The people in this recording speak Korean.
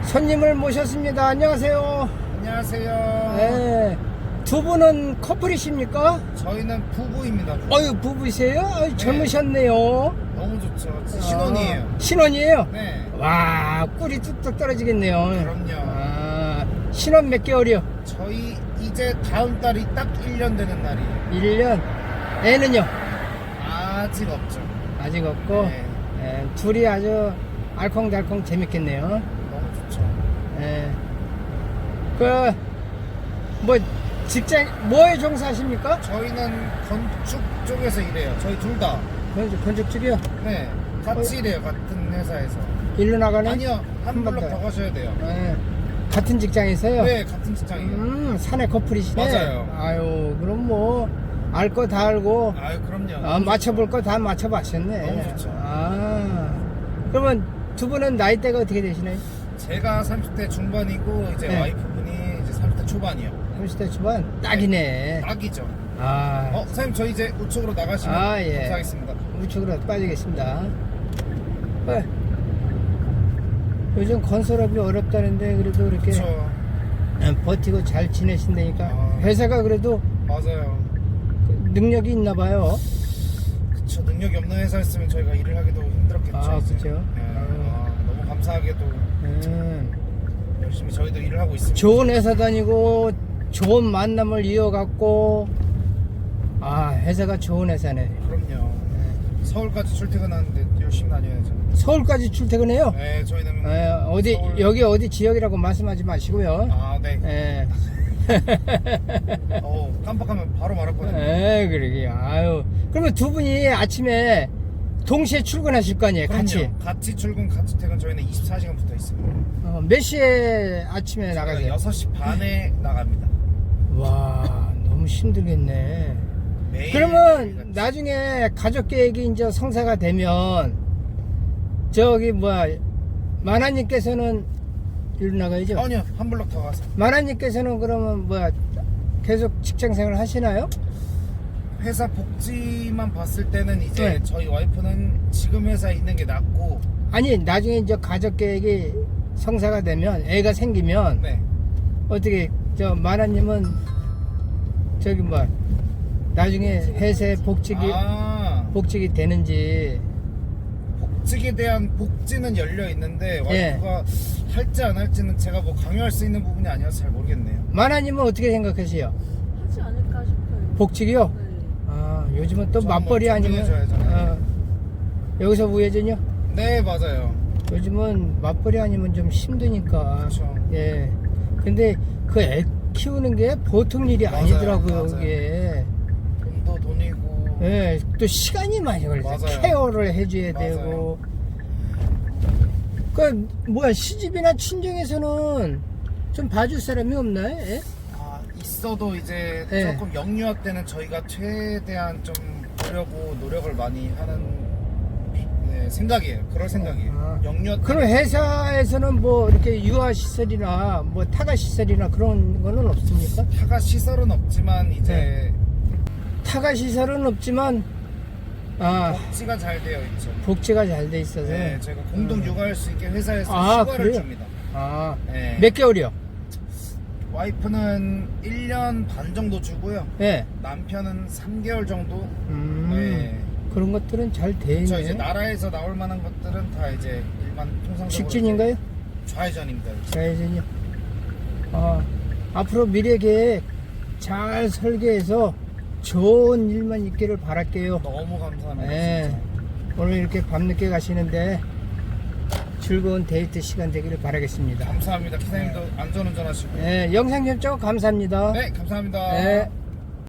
손님을 모셨습니다. 안녕하세요. 안녕하세요. 네. 두 분은 커플이십니까? 저희는 부부입니다. 어유 부부세요? 아유, 젊으셨네요. 너무 좋죠. 신혼이에요. 신혼이에요? 네. 와, 꿀이 뚝뚝 떨어지겠네요. 그럼요. 아, 신혼 몇 개월이요? 저희 이제 다음 달이 딱 1년 되는 날이에요. 1년. 애는요? 아직 없죠. 아직 없고. 네. 예, 둘이 아주 알콩달콩 재밌겠네요. 너무 좋죠. 예. 뭐 직장 뭐에 종사하십니까? 저희는 건축 쪽에서 일해요. 저희 둘 다. 건축 쪽이요? 네. 같이 일해요. 같은 회사에서. 일로 나가네? 아니요. 한 번 블럭 더. 더 가셔야 돼요. 예. 같은 직장에서요? 네, 같은 직장이에요. 사내 커플이시네. 맞아요. 아유, 그럼 뭐 알 거 다 알고 아유, 그럼요. 아, 맞춰볼 거 다 맞춰봤었네. 너무 좋죠. 아, 그러면 두 분은 나이대가 어떻게 되시나요? 제가 30대 중반이고 이제 네. 와이프분이 이제 30대 초반이요. 30대 초반? 딱이네. 딱이죠. 아, 선생님 저 이제 우측으로 나가시면 아, 예. 감사하겠습니다. 우측으로 빠지겠습니다. 요즘 건설업이 어렵다는데 그래도 이렇게 그렇죠. 버티고 잘 지내신다니까 아. 회사가 그래도 맞아요. 능력이 있나 봐요. 그쵸. 능력이 없는 회사였으면 저희가 일을 하기도 힘들었겠죠. 아, 이제. 그쵸. 예. 너무 감사하게도 열심히 저희도 일을 하고 있습니다. 좋은 회사 다니고 좋은 만남을 이어갔고 아, 회사가 좋은 회사네. 그럼요. 서울까지 출퇴근하는데 열심히 다녀야죠. 서울까지 출퇴근해요? 네, 저희는 어디 서울- 여기 어디 지역이라고 말씀하지 마시고요. 아, 네. 예. 깜빡하면 바로 말았거든요. 그러게. 아유. 그러면 두 분이 아침에 동시에 출근하실 거 아니에요? 그럼요. 같이 출근, 같이 퇴근 저희는 24시간 붙어 있습니다. 몇 시에 아침에 나가세요? 6시 반에 나갑니다. 와, 너무 힘들겠네. 매일 그러면 나중에 가족 계획이 이제 성사가 되면 저기 마나님께서는 일로 나가야죠? 아니요, 한 블럭 더 가서 마나님께서는 그러면 계속 직장 생활 하시나요? 회사 복지만 봤을 때는 이제 네. 저희 와이프는 지금 회사에 있는 게 낫고. 아니, 나중에 이제 가족 계획이 성사가 되면 애가 생기면 네. 어떻게 마나님은 저기 나중에 회사에 복직이 되는지. 복직에 대한 복지는 열려 있는데 와이프가 할지 안 할지는 제가 강요할 수 있는 부분이 아니어서 잘 모르겠네요. 마나님은 어떻게 생각하세요? 하지 않을까 싶어요. 복직이요? 네. 아, 요즘은 또 저 맞벌이 한번 아니면 존중해줘야죠. 여기서 우회전요? 네, 맞아요. 요즘은 맞벌이 아니면 좀 힘드니까. 그렇죠. 예. 근데 그 애 키우는 게 보통 일이 맞아요, 아니더라고요, 맞아요. 그게. 돈도 돈이고. 예, 또 시간이 많이 걸려요. 맞아요. 케어를 해줘야 맞아요. 되고. 시집이나 친정에서는 좀 봐줄 사람이 없나요? 예? 있어도 이제 네. 조금 영유아 때는 저희가 최대한 좀 보려고 노력을 많이 하는 생각이에요. 그럴 생각이에요. 영유아 때 그럼 회사에서는 이렇게 유아 시설이나 타가 시설이나 그런 거는 없습니까? 타가 시설은 없지만 이제 타가 시설은 없지만 복지가 잘 되어 있죠. 복지가 잘 돼 있어서. 네, 저희가 공동 육아할 수 있게 회사에서 휴가를 그래요? 줍니다. 네. 몇 개월이요? 와이프는 1년 반 정도 주고요. 예. 남편은 3개월 정도. 네. 그런 것들은 잘 돼 저 있네. 이제 나라에서 나올 만한 것들은 다 이제 일반 통상적으로 직진인가요? 좌회전입니다. 좌회전이요. 앞으로 미래 계획 잘 설계해서 좋은 일만 있기를 바랄게요. 너무 감사합니다. 예. 진짜. 오늘 이렇게 밤늦게 가시는데 즐거운 데이트 시간 되기를 바라겠습니다. 감사합니다. 기사님도 안전운전하시고. 예, 영상 접촉 감사합니다. 네, 감사합니다. 네.